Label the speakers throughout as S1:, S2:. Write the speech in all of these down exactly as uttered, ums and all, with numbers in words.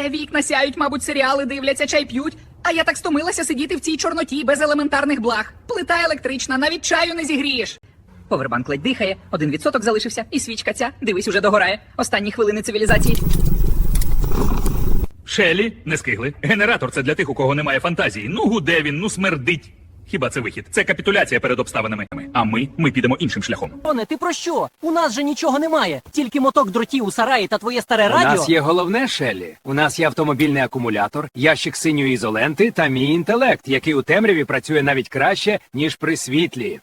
S1: Все, вікна сяють, мабуть, серіали дивляться, чай п'ють. А я так стомилася сидіти в цій чорноті без елементарних благ. Плита електрична, навіть чаю не зігрієш. Повербанк ледь дихає, один відсоток залишився, і свічка ця, дивись, уже догорає. Останні хвилини цивілізації.
S2: Шелі, не скигли. Генератор — це для тих, у кого немає фантазії. Ну гуде він, ну смердить. Хіба це вихід? Це капітуляція перед обставинами. А ми, ми підемо іншим шляхом.
S3: Роне, ти про що? У нас же нічого немає. Тільки моток дротів у сараї та твоє старе
S4: У
S3: радіо.
S4: нас є головне, Шеллі. У нас є автомобільний акумулятор, ящик синьої ізоленти та мій інтелект, який у темряві працює навіть краще, ніж при світлі.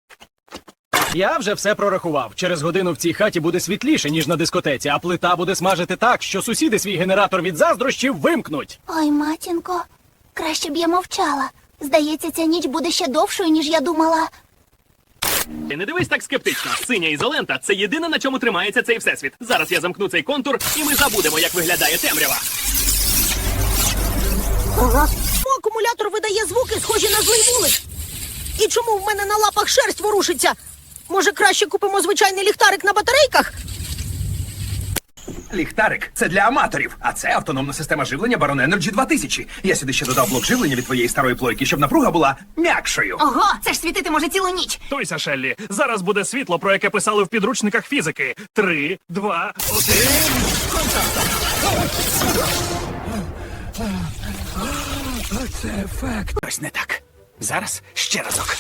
S5: Я вже все прорахував. Через годину в цій хаті буде світліше, ніж на дискотеці, а плита буде смажити так, що сусіди свій генератор від заздрощів вимкнуть.
S6: Ой, матінко, краще б я мовчала. Здається, ця ніч буде ще довшою, ніж я думала.
S7: Не дивись так скептично. Синя ізолента — це єдине, на чому тримається цей всесвіт. Зараз я замкну цей контур, і ми забудемо, як виглядає темрява.
S8: Ага. Акумулятор видає звуки, схожі на злий вулик. І чому в мене на лапах шерсть ворушиться? Може, краще купимо звичайний ліхтарик на батарейках?
S9: Ліхтарик — це для аматорів, а це автономна система живлення Baron Energy два тисячі. Я сюди ще додав блок живлення від твоєї старої плойки, щоб напруга була м'якшою.
S6: Ого, це ж світити може цілу ніч.
S7: Тойся, Шеллі, зараз буде світло, про яке писали в підручниках фізики. Три, два, один...
S9: Це ефект. Ось не так. Зараз ще разок.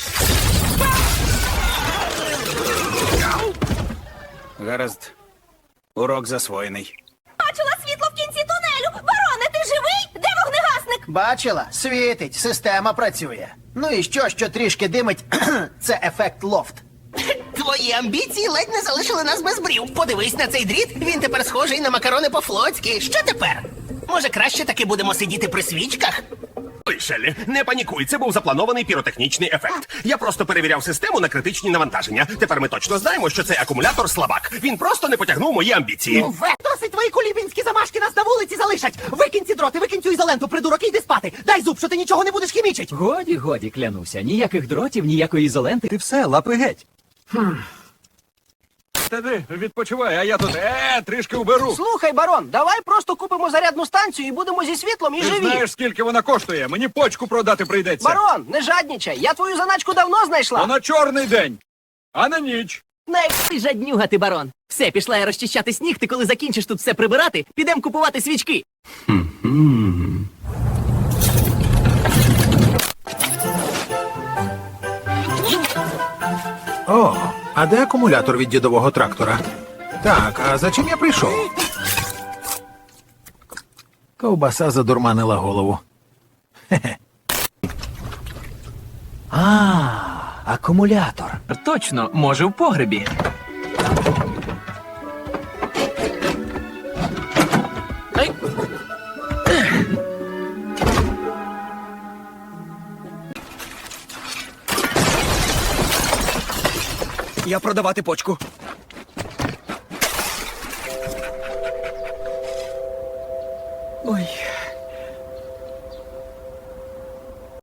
S9: Гаразд. Урок засвоєний.
S6: Бачила світло в кінці тунелю. Бароне, ти живий? Де вогнегасник?
S10: Бачила? Світить, система працює. Ну і що, що трішки димить? Це ефект лофт.
S11: Твої амбіції ледь не залишили нас без брів. Подивись на цей дріт, він тепер схожий на макарони по-флотськи. Що тепер? Може, краще таки будемо сидіти при свічках?
S12: Ой, Шеллі, не панікуй, це був запланований піротехнічний ефект. Я просто перевіряв систему на критичні навантаження. Тепер ми точно знаємо, що цей акумулятор слабак. Він просто не потягнув мої амбіції.
S11: Ве, досить твої кулібінські замашки нас на вулиці залишать. Викинь ці дроти, викинь цю ізоленту, придурок, і йди спати. Дай зуб, що ти нічого не будеш хімічить.
S3: Годі, годі, клянуся. Ніяких дротів, ніякої ізоленти.
S4: Ти все, лапи геть.
S5: Та ти відпочивай, а я тут е, трішки уберу.
S10: Слухай, барон, давай просто купимо зарядну станцію і будемо зі світлом і
S5: Ти
S10: живі.
S5: знаєш, скільки вона коштує? Мені почку продати прийдеться.
S10: Барон, не жаднічай, я твою заначку давно знайшла.
S5: То на чорний день, а на ніч.
S3: Не ти жаднюга, ти, барон. Все, пішла я розчищати сніг, ти коли закінчиш тут все прибирати, підемо купувати свічки.
S13: О, а де акумулятор від дідового трактора? Так, а за чим я прийшов? Ковбаса задурманила голову. Хе-хе.
S3: А, акумулятор. Точно, може в погребі. Ай.
S5: Я продавати почку.
S3: Ой,